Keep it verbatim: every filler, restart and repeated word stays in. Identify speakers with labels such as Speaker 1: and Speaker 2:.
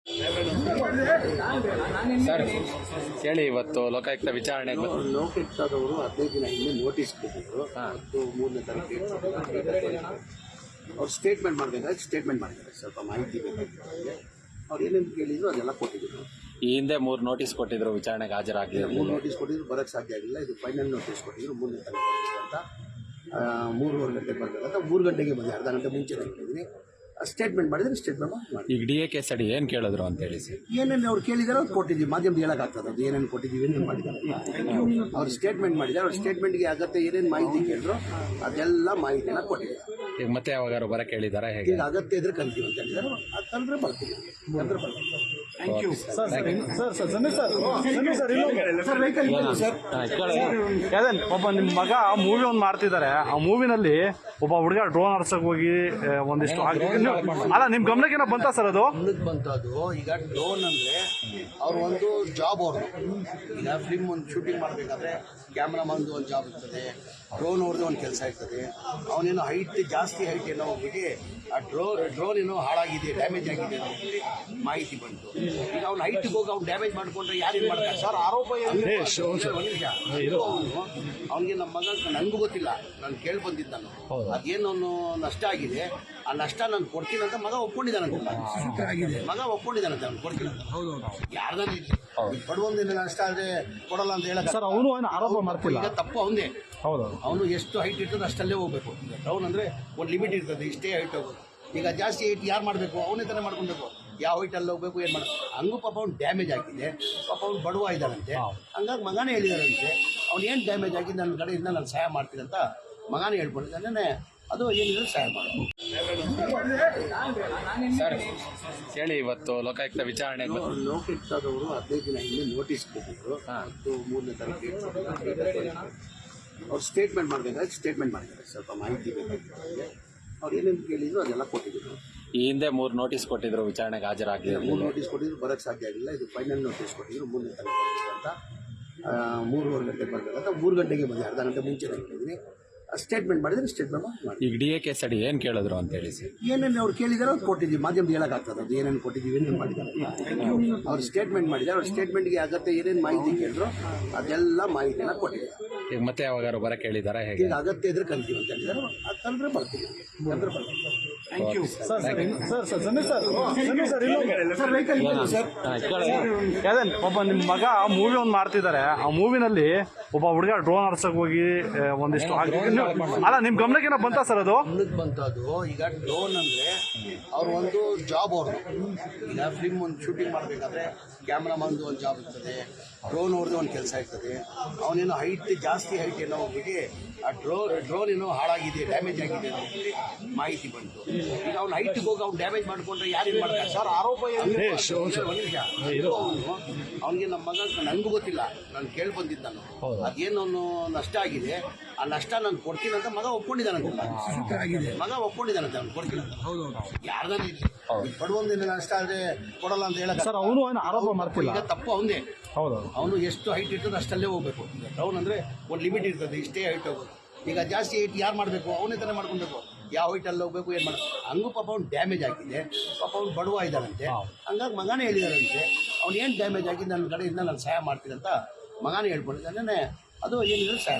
Speaker 1: Sir ಹೇಳಿ, ಇವತ್ತು ಲೋಕಾಯುಕ್ತ ವಿಚಾರಣೆ
Speaker 2: ಲೋಕಾಯುಕ್ತದವರು ಹದಿನೈದು ದಿನ ಹಿಂದೆ ನೋಟಿಸ್ ಕೊಟ್ಟಿದ್ರು. ಮತ್ತು ಮೂರನೇ ತಾರೀಕು ಅವ್ರು ಸ್ಟೇಟ್ಮೆಂಟ್ ಮಾಡಬೇಕಾದ್ರೆ ಸ್ಟೇಟ್ಮೆಂಟ್ ಮಾಡಿದ್ದಾರೆ. ಸ್ವಲ್ಪ ಮಾಹಿತಿ ಬೇಕಾಗಿತ್ತು. ಅವ್ರು ಏನೇನು ಕೇಳಿದ್ರು ಅದೆಲ್ಲ ಕೊಟ್ಟಿದ್ರು.
Speaker 1: ಈ ಹಿಂದೆ ಮೂರು ನೋಟಿಸ್ ಕೊಟ್ಟಿದ್ರು, ವಿಚಾರಣೆಗೆ ಹಾಜರಾಗಲಿಲ್ಲ.
Speaker 2: ಮೂರು ನೋಟಿಸ್ ಕೊಟ್ಟಿದ್ರು, ಬರೋಕ್ಕೆ ಸಾಧ್ಯ ಆಗಿಲ್ಲ. ಇದು ಫೈನಲ್ ನೋಟಿಸ್ ಕೊಟ್ಟಿದ್ರು, ಮೂರನೇ ತಾರೀಕು ಅಂತ. ಮೂರುವರೆ ಗಂಟೆಗೆ ಬರಬೇಕಂತ ಮೂರು ಗಂಟೆಗೆ ಬಂದೆ, ಅರ್ಧ ಗಂಟೆ ಮುಂಚೆ ಹೇಳಿದ್ದೀನಿ. ಸ್ಟೇಟ್ಮೆಂಟ್ ಮಾಡಿದ್ರೆ ಸ್ಟೇಟ್ಮೆಂಟ್ ಮಾಡಿ.
Speaker 1: ಈಗ ಡಿ ಎ ಕೇಸ್ ಅಡಿ ಏನು ಕೇಳಿದ್ರು ಅಂತ ಹೇಳಿ ಸರ್.
Speaker 2: ಏನೇನು ಅವ್ರು ಕೇಳಿದಾರೆ ಅವ್ರು ಕೊಟ್ಟಿದ್ದೀವಿ. ಮಾಧ್ಯಮದ ಹೇಳೋಕ್ಕಾಗ್ತದೆ ಅದು ಏನೇನು ಕೊಟ್ಟಿದ್ದೀವಿ, ಏನೇನು ಮಾಡಿದ್ದಾರೆ. ಅವ್ರು ಸ್ಟೇಟ್ಮೆಂಟ್ ಮಾಡಿದ್ದಾರೆ. ಅವ್ರ ಸ್ಟೇಟ್ಮೆಂಟ್ಗೆ ಅಗತ್ಯ ಏನೇನು ಮಾಹಿತಿ ಕೇಳಿದ್ರು ಅದೆಲ್ಲ ಮಾಹಿತಿನ ಕೊಟ್ಟಿದ್ದಾರೆ.
Speaker 1: ಈಗ ಮತ್ತೆ ಯಾವಾಗಾರು ಬರಕ್ಕೆ ಹೇಳಿದಾರಾ ಹೇಗೆ?
Speaker 2: ಈಗ ಅಗತ್ಯ ಇದ್ರೆ ಕಲ್ತೀವಿ ಅಂತ ಹೇಳಿದ್ದಾರೆ. ಅದು ತಂದ್ರೆ ಬರ್ತೀವಿ ಅಂದ್ರೆ ಬರ್ತೀವಿ. Thank you sir.
Speaker 3: ಅದೇ ಒಬ್ಬ ನಿಮ್ಮ ಮಗ ಮೂವಿ ಒಂದು ಮಾಡ್ತಿದ್ದಾರೆ. ಆ ಮೂವಿನಲ್ಲಿ ಒಬ್ಬ ಹುಡುಗ ಡ್ರೋನ್ ಆಡ್ಸಕ್ ಹೋಗಿ ಒಂದಿಷ್ಟು ಅಲ್ಲ, ನಿಮ್ ಗಮನಕ್ಕೆ ಏನೋ ಬಂತ ಸರ್? ಅದು
Speaker 2: ಗಮನಕ್ಕೆ ಬಂತು. ಅದು ಈಗ ಡ್ರೋನ್ ಅಂದ್ರೆ ಅವ್ರು ಒಂದು ಜಾಬ್ ಅವ್ರದ್ದು. ಈಗ ಫಿಲ್ಮ್ ಒಂದು ಶೂಟಿಂಗ್ ಮಾಡಬೇಕಾದ್ರೆ ಕ್ಯಾಮ್ರಾಮನ್ದು ಒಂದು ಜಾಬ್ ಇರ್ತದೆ, ಡ್ರೋನ್ ಅವ್ರದ್ದು ಒಂದು ಕೆಲಸ ಇರ್ತದೆ. ಅವನೇನೋ ಹೈಟ್ ಜಾಸ್ತಿ ಹೈಟ್ ಏನೋ ಹೋಗ್ಬಿಟ್ಟು ಆ ಡ್ರೋ ಡ್ರೋನ್ ಏನೋ ಹಾಳಾಗಿದೆ, ಡ್ಯಾಮೇಜ್ ಆಗಿದೆ ಅಂತ ಹೇಳಿ ಮಾಹಿತಿ ಬಂತು. ಈಗ ಅವ್ನು ಹೈಟ್ಗೆ ಹೋಗಿ ಅವ್ನು ಡ್ಯಾಮೇಜ್ ಮಾಡ್ಕೊಂಡ್ರೆ ಯಾರೇನು ಮಾಡ್ತಾರೆ ಸರ್? ಆರೋಪ ಒಂದು ನಿಮಿಷ. ಅವ್ನಿಗೆ ನಮ್ಮ ಮಗ ನನಗೂ ಗೊತ್ತಿಲ್ಲ, ನಾನು ಕೇಳಿ ಬಂದಿದ್ದ ನಾನು. ಅದೇನು ನಷ್ಟ ಆಗಿದೆ, ಆ ನಷ್ಟ ನಾನು ಕೊಡ್ತೀನಿ ಅಂತ ಮಗ ಒಪ್ಕೊಂಡಿದ್ದಾನಂತೆ. ಮಗ ಒಪ್ಕೊಂಡಿದ್ದಾನಂತೆ ಅವ್ನು ಕೊಡ್ತೀನಿ ಅಂತ. ಯಾರ್ದಾನ ಬಡವೊಂದಿನ ನಷ್ಟ ಆದರೆ ಕೊಡಲ್ಲ ಅಂತ ಹೇಳಕ್
Speaker 3: ಸರ್ ಅವನು ಆರೋಪ ಮಾಡ್ತಿಲ್ಲ.
Speaker 2: ಈಗ ತಪ್ಪು ಅವನೇ.
Speaker 3: ಹೌದು,
Speaker 2: ಅವನು ಎಷ್ಟು ಹೈಟ್ ಇರ್ತದೆ ಅಷ್ಟಲ್ಲೇ ಹೋಗ್ಬೇಕು. ಡೌನ್ ಅಂದರೆ ಒಂದು ಲಿಮಿಟ್ ಇರ್ತದೆ, ಇಷ್ಟೇ ಹೈಟ್ ಹೋಗೋದು. ಈಗ ಜಾಸ್ತಿ ಹೈಟ್ ಯಾರು ಮಾಡಬೇಕು? ಅವನೇ ತಾನೇ ಮಾಡ್ಕೊಬೇಕು. ಯಾವ ಹೈಟಲ್ಲಿ ಹೋಗ್ಬೇಕು, ಏನು ಮಾಡ ಹಂಗೂ ಪಾಪ ಅವ್ನು ಡ್ಯಾಮೇಜ್ ಆಗಿದೆ. ಪಾಪ ಅವ್ನು ಬಡವ ಇದ್ದಾನಂತೆ. ಹಂಗಾಗಿ ಮಗನೇ ಹೇಳಿದಾರಂತೆ ಅವ್ನು ಏನು ಡ್ಯಾಮೇಜ್ ಆಗಿದೆ ನನ್ನ ಕಡೆಯಿಂದ ನಾನು ಸಹಾಯ ಮಾಡ್ತೀನಿ ಅಂತ ಮಗನೇ ಹೇಳ್ಕೊಂಡಿದ್ದಾನೆ. ಅದು ಏನಿದ್ರು ಸಹಾಯ ಮಾಡೋದು.
Speaker 1: ಸರ್ ಹೇಳಿ, ಇವತ್ತು ಲೋಕಾಯುಕ್ತ ವಿಚಾರಣೆ
Speaker 2: ಲೋಕಾಯುಕ್ತದವರು ಹದಿನೈದು ದಿನ ಹಿಂದೆ ನೋಟಿಸ್ ಕೊಟ್ಟಿದ್ರು. ಮತ್ತು ಮೂರನೇ ತಾರೀಕು ಅವ್ರು ಸ್ಟೇಟ್ಮೆಂಟ್ ಮಾಡಬೇಕಾದ್ರೆ ಸ್ಟೇಟ್ಮೆಂಟ್ ಮಾಡಿದ್ದಾರೆ. ಸ್ವಲ್ಪ ಮಾಹಿತಿ ಬೇಕಾಗಿತ್ತು. ಅವ್ರು ಏನೇನು ಕೇಳಿದ್ರು ಅದೆಲ್ಲ ಕೊಟ್ಟಿದ್ರು.
Speaker 1: ಈ ಹಿಂದೆ ಮೂರು ನೋಟಿಸ್ ಕೊಟ್ಟಿದ್ರು, ವಿಚಾರಣೆಗೆ ಹಾಜರಾಗಲಿಲ್ಲ.
Speaker 2: ಮೂರು ನೋಟಿಸ್ ಕೊಟ್ಟಿದ್ರು, ಬರೋಕ್ಕೆ ಸಾಧ್ಯ ಆಗಿಲ್ಲ. ಇದು ಫೈನಲ್ ನೋಟಿಸ್ ಕೊಟ್ಟಿದ್ರು, ಮೂರನೇ ತಾರೀಕು ಅಂತ. ಮೂರುವರೆ ಗಂಟೆಗೆ ಬರಬೇಕಂತ ಮೂರು ಗಂಟೆಗೆ ಬಂದೆ, ಅರ್ಧ ಗಂಟೆ ಮುಂಚೆ ಹೇಳಿದ್ದೀನಿ. ಸ್ಟೇಟ್ಮೆಂಟ್ ಮಾಡಿದ್ರೆ ಸ್ಟೇಟ್ಮೆಂಟ್ ಮಾಡಿ.
Speaker 1: ಈಗ ಡಿ ಎ ಕೇಸ್ ಅಡಿ ಏನು ಕೇಳಿದ್ರು ಅಂತ ಹೇಳಿ ಸರ್.
Speaker 2: ಏನೇನು ಅವ್ರು ಕೇಳಿದಾರೆ ಅವ್ರು ಕೊಟ್ಟಿದ್ದೀವಿ. ಮಾಧ್ಯಮದ ಹೇಳೋಕ್ಕಾಗ್ತದೆ ಅದು ಏನೇನು ಕೊಟ್ಟಿದ್ದೀವಿ, ಏನೇನು ಮಾಡಿದ್ದಾರೆ. ಅವ್ರು ಸ್ಟೇಟ್ಮೆಂಟ್ ಮಾಡಿದ್ದಾರೆ. ಅವ್ರ ಸ್ಟೇಟ್ಮೆಂಟ್ಗೆ ಅಗತ್ಯ ಏನೇನು ಮಾಹಿತಿ ಕೇಳಿದ್ರು ಅದೆಲ್ಲ ಮಾಹಿತಿನ ಕೊಟ್ಟಿದ್ದಾರೆ.
Speaker 1: ಈಗ ಮತ್ತೆ ಯಾವಾಗಾರು ಬರಕ್ಕೆ ಹೇಳಿದಾರಾ ಹೇಗೆ?
Speaker 2: ಈಗ ಅಗತ್ಯ ಇದ್ರೆ ಕಲ್ತೀವಿ ಅಂತ ಹೇಳಿದ್ದಾರೆ. ಅದು ತಂದ್ರೆ ಬರ್ತೀವಿ ಅಂದ್ರೆ ಬರ್ತೀವಿ. Thank you sir.
Speaker 3: ಅದೇ ಒಬ್ಬ ನಿಮ್ಮ ಮಗ ಮೂವಿ ಒಂದು ಮಾಡ್ತಿದ್ದಾರೆ. ಆ ಮೂವಿನಲ್ಲಿ ಒಬ್ಬ ಹುಡುಗ ಡ್ರೋನ್ ಆಡ್ಸಕ್ ಹೋಗಿ ಒಂದಿಷ್ಟು ಅಲ್ಲ, ನಿಮ್ ಗಮನಕ್ಕೆ ಏನೋ ಬಂತ ಸರ್? ಅದು
Speaker 2: ಗಮನಕ್ಕೆ ಬಂತು. ಅದು ಈಗ ಡ್ರೋನ್ ಅಂದ್ರೆ ಅವ್ರು ಒಂದು ಜಾಬ್ ಅವ್ರದ್ದು. ಈಗ ಫಿಲ್ಮ್ ಒಂದು ಶೂಟಿಂಗ್ ಮಾಡಬೇಕಾದ್ರೆ ಕ್ಯಾಮ್ರಾಮನ್ದು ಒಂದು ಜಾಬ್ ಇರ್ತದೆ, ಡ್ರೋನ್ ಅವ್ರದ್ದು ಒಂದು ಕೆಲಸ ಇರ್ತದೆ. ಅವನೇನೋ ಹೈಟ್ ಜಾಸ್ತಿ ಹೈಟ್ ಏನೋ ಹೋಗ್ಬಿಟ್ಟು ಆ ಡ್ರೋ ಡ್ರೋನ್ ಏನೋ ಹಾಳಾಗಿದೆ, ಡ್ಯಾಮೇಜ್ ಆಗಿದೆ ಅಂತ ಹೇಳಿ ಮಾಹಿತಿ ಬಂತು. ಈಗ ಅವ್ನು ಹೈಟ್ಗೆ ಹೋಗಿ ಅವ್ನು ಡ್ಯಾಮೇಜ್ ಮಾಡ್ಕೊಂಡ್ರೆ ಯಾರೇನು ಮಾಡ್ತಾರೆ ಸರ್? ಆರೋಪ ಒಂದು ನಿಮಿಷ. ಅವನಿಗೆ ನಮ್ಮ ಮಗ ನನಗೂ ಗೊತ್ತಿಲ್ಲ, ನಾನು ಕೇಳಿ ಬಂದಿದ್ದ ನಾನು. ಅದೇನು ನಷ್ಟ ಆಗಿದೆ, ಆ ನಷ್ಟ ನಾನು ಕೊಡ್ತೀನಿ ಅಂತ ಮಗ ಒಪ್ಕೊಂಡಿದ್ದಾನಂತೆ. ಮಗ ಒಪ್ಕೊಂಡಿದ್ದಾನಂತೆ ಅವ್ನು ಕೊಡ್ತೀನಿ ಅಂತ. ಯಾರ್ದಾನ ಬಡವೊಂದಿನ ನಷ್ಟ ಆದರೆ ಕೊಡಲ್ಲ ಅಂತ ಹೇಳಕ್
Speaker 3: ಸರ್ ಅವನು ಆರೋಪ ಮಾಡ್ತಿಲ್ಲ.
Speaker 2: ಈಗ ತಪ್ಪು ಅವನೇ.
Speaker 3: ಹೌದು,
Speaker 2: ಅವನು ಎಷ್ಟು ಹೈಟ್ ಇರ್ತದೆ ಅಷ್ಟಲ್ಲೇ ಹೋಗ್ಬೇಕು. ಡೌನ್ ಅಂದರೆ ಒಂದು ಲಿಮಿಟ್ ಇರ್ತದೆ, ಇಷ್ಟೇ ಹೈಟ್ ಹೋಗೋದು. ಈಗ ಜಾಸ್ತಿ ಹೈಟ್ ಯಾರು ಮಾಡಬೇಕು? ಅವನೇ ತಾನೇ ಮಾಡ್ಕೊಬೇಕು. ಯಾವ ಹೈಟಲ್ಲಿ ಹೋಗ್ಬೇಕು, ಏನು ಮಾಡ ಹಂಗೂ ಪಾಪ ಅವ್ನು ಡ್ಯಾಮೇಜ್ ಆಗಿದೆ. ಪಾಪ ಅವ್ನು ಬಡವ ಇದ್ದಾನಂತೆ. ಹಂಗಾಗಿ ಮಗನೇ ಹೇಳಿದಾರಂತೆ ಅವ್ನು ಏನು ಡ್ಯಾಮೇಜ್ ಆಗಿದೆ ನನ್ನ ಕಡೆಯಿಂದ ನಾನು ಸಹಾಯ ಮಾಡ್ತೀನಿ ಅಂತ ಮಗನೇ ಹೇಳ್ಕೊಂಡಿದ್ದಾನೆ. ಅದು ಏನಿದ್ರು ಸಹಾಯ